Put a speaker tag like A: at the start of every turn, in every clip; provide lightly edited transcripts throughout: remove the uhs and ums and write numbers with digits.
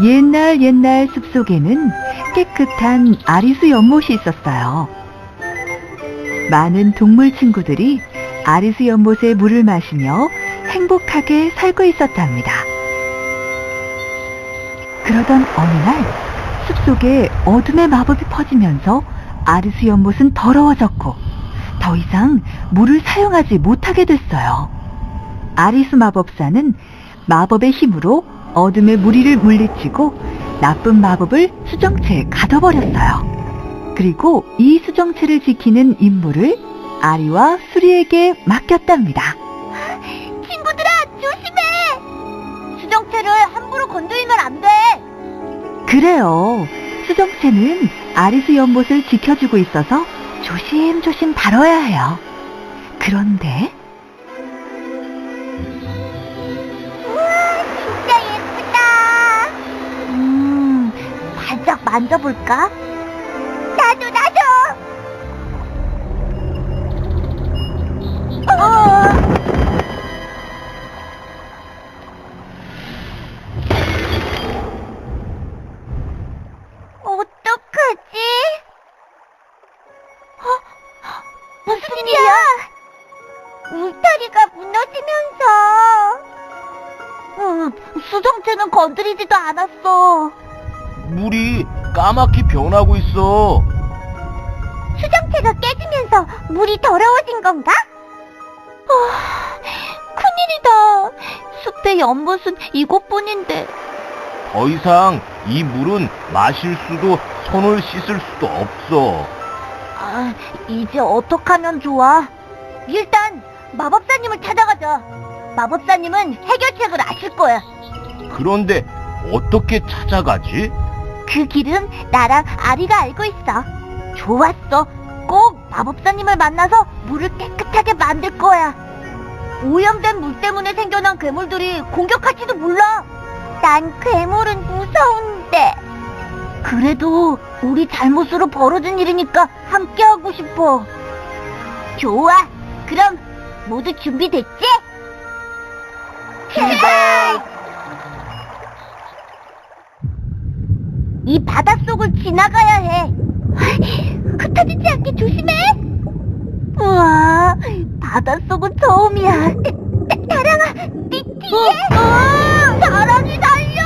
A: 옛날 숲속에는 깨끗한 아리수 연못이 있었어요. 많은 동물 친구들이 아리수 연못의 물을 마시며 행복하게 살고 있었답니다. 그러던 어느 날 숲속에 어둠의 마법이 퍼지면서 아리수 연못은 더러워졌고 더 이상 물을 사용하지 못하게 됐어요. 아리수 마법사는 마법의 힘으로 어둠의 무리를 물리치고 나쁜 마법을 수정체에 가둬버렸어요. 그리고 이 수정체를 지키는 임무를 아리와 수리에게 맡겼답니다.
B: 친구들아, 조심해! 수정체를 함부로 건드리면 안 돼!
A: 그래요. 수정체는 아리수 연못을 지켜주고 있어서 조심조심 다뤄야 해요. 그런데
B: 살짝 만져볼까? 나도! 어떡하지? 무슨 일이야? 울타리가 무너지면서 수정체는 건드리지도 않았어.
C: 물이 까맣게 변하고 있어.
B: 수정체가 깨지면서 물이 더러워진 건가? 큰일이다. 숲의 연못은 이곳뿐인데.
C: 더 이상 이 물은 마실 수도 손을 씻을 수도 없어.
B: 이제 어떡하면 좋아? 일단 마법사님을 찾아가자. 마법사님은 해결책을 아실 거야.
C: 그런데 어떻게 찾아가지?
B: 그 길은 나랑 아리가 알고 있어. 좋았어. 꼭 마법사님을 만나서 물을 깨끗하게 만들 거야. 오염된 물 때문에 생겨난 괴물들이 공격할지도 몰라. 난 괴물은 무서운데. 그래도 우리 잘못으로 벌어진 일이니까 함께하고 싶어. 좋아. 그럼 모두 준비됐지? 출발! 이 바닷속을 지나가야 해. 흩어지지 않게 조심해. 우와, 바닷속은 처음이야. 다랑아, 네 뒤에. 다랑이 달려.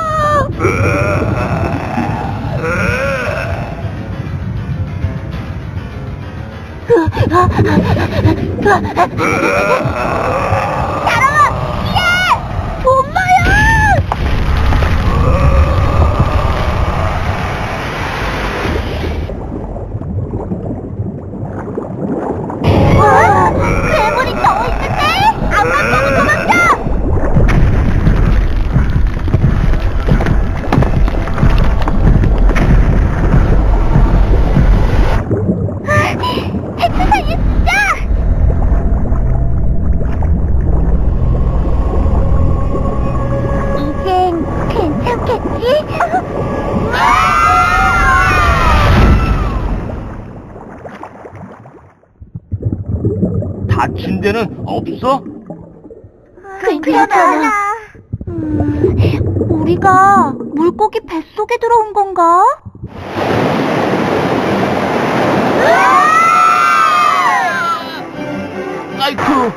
B: 다랑아, 뒤에. 엄마야. 괴물이 더 있는데? 앞만 보고 도망쳐! 해초 사이에 숨자! 이젠 괜찮겠지?
C: 다친 데는 없어?
B: 괜찮아. 우리가 물고기 뱃속에 들어온 건가?
C: 아이쿠.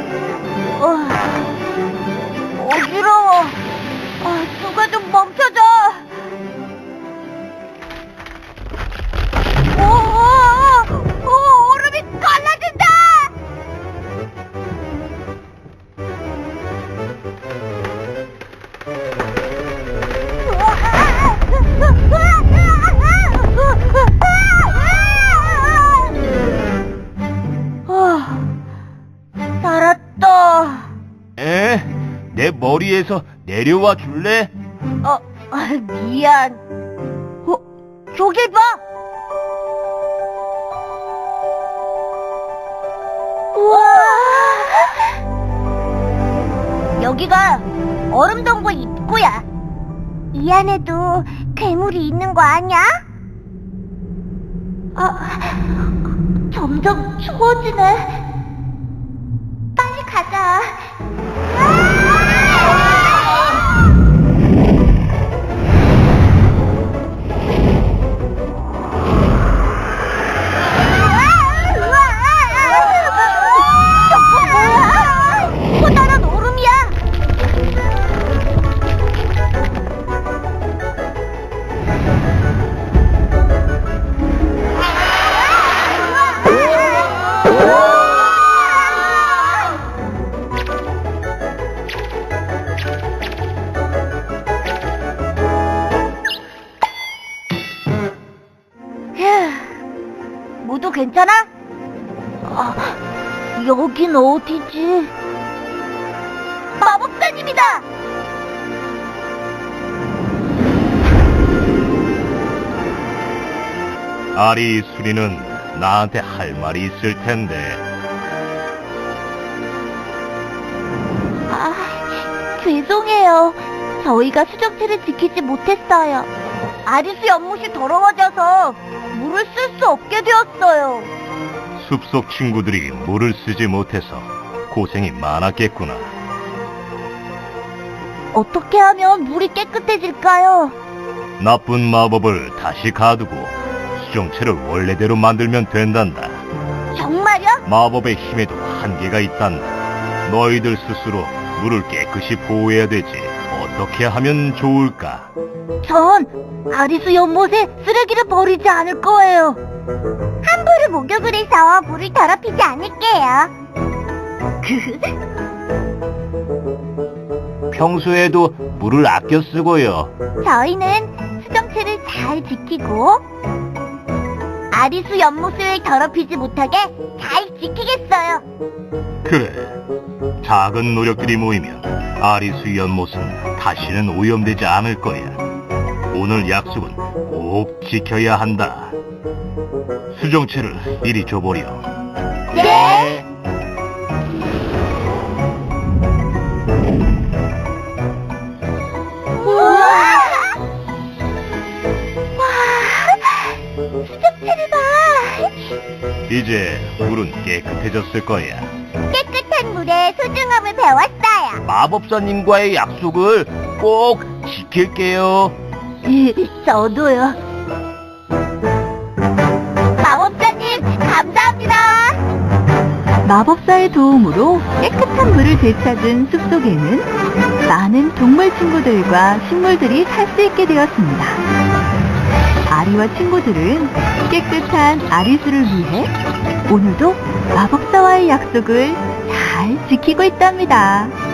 B: 어지러워. 누가 좀 멈춰줘. 얼음이 갈라진다. 살았다.
C: 내 머리에서 내려와 줄래?
B: 미안. 저길 봐. 우와. 여기가 얼음동굴 입구야. 이 안에도 괴물이 있는 거 아냐? 점점 추워지네. 빨리 가자. 괜찮아? 여긴 어디지? 마법사님이다!
C: 아리 수리는 나한테 할 말이 있을 텐데.
B: 죄송해요. 저희가 수정체를 지키지 못했어요. 아리스 연못이 더러워져서 물을 쓸 수 없게 되었어요.
C: 숲속 친구들이 물을 쓰지 못해서 고생이 많았겠구나.
B: 어떻게 하면 물이 깨끗해질까요?
C: 나쁜 마법을 다시 가두고 수정체를 원래대로 만들면 된단다.
B: 정말요?
C: 마법의 힘에도 한계가 있단다. 너희들 스스로 물을 깨끗이 보호해야 되지. 어떻게 하면 좋을까?
B: 전 아리스 연못에 쓰레기를 버리지 않을 거예요. 함부로 목욕을 해서 물을 더럽히지 않을게요.
C: 평소에도 물을 아껴 쓰고요.
B: 저희는 수정체를 잘 지키고 아리수 연못을 더럽히지 못하게 잘 지키겠어요.
C: 그래. 작은 노력들이 모이면 아리수 연못은 다시는 오염되지 않을 거야. 오늘 약속은 꼭 지켜야 한다. 수정체를 이리 줘보렴.
B: 네. 우와! 와! 수정체를 봐!
C: 이제 물은 깨끗해졌을 거야.
B: 깨끗한 물의 소중함을 배웠어요.
C: 마법사님과의 약속을 꼭 지킬게요.
B: 저도요. 마법사님, 감사합니다.
A: 마법사의 도움으로 깨끗한 물을 되찾은 숲속에는 많은 동물 친구들과 식물들이 살 수 있게 되었습니다. 아리와 친구들은 깨끗한 아리수를 위해 오늘도 마법사와의 약속을 잘 지키고 있답니다.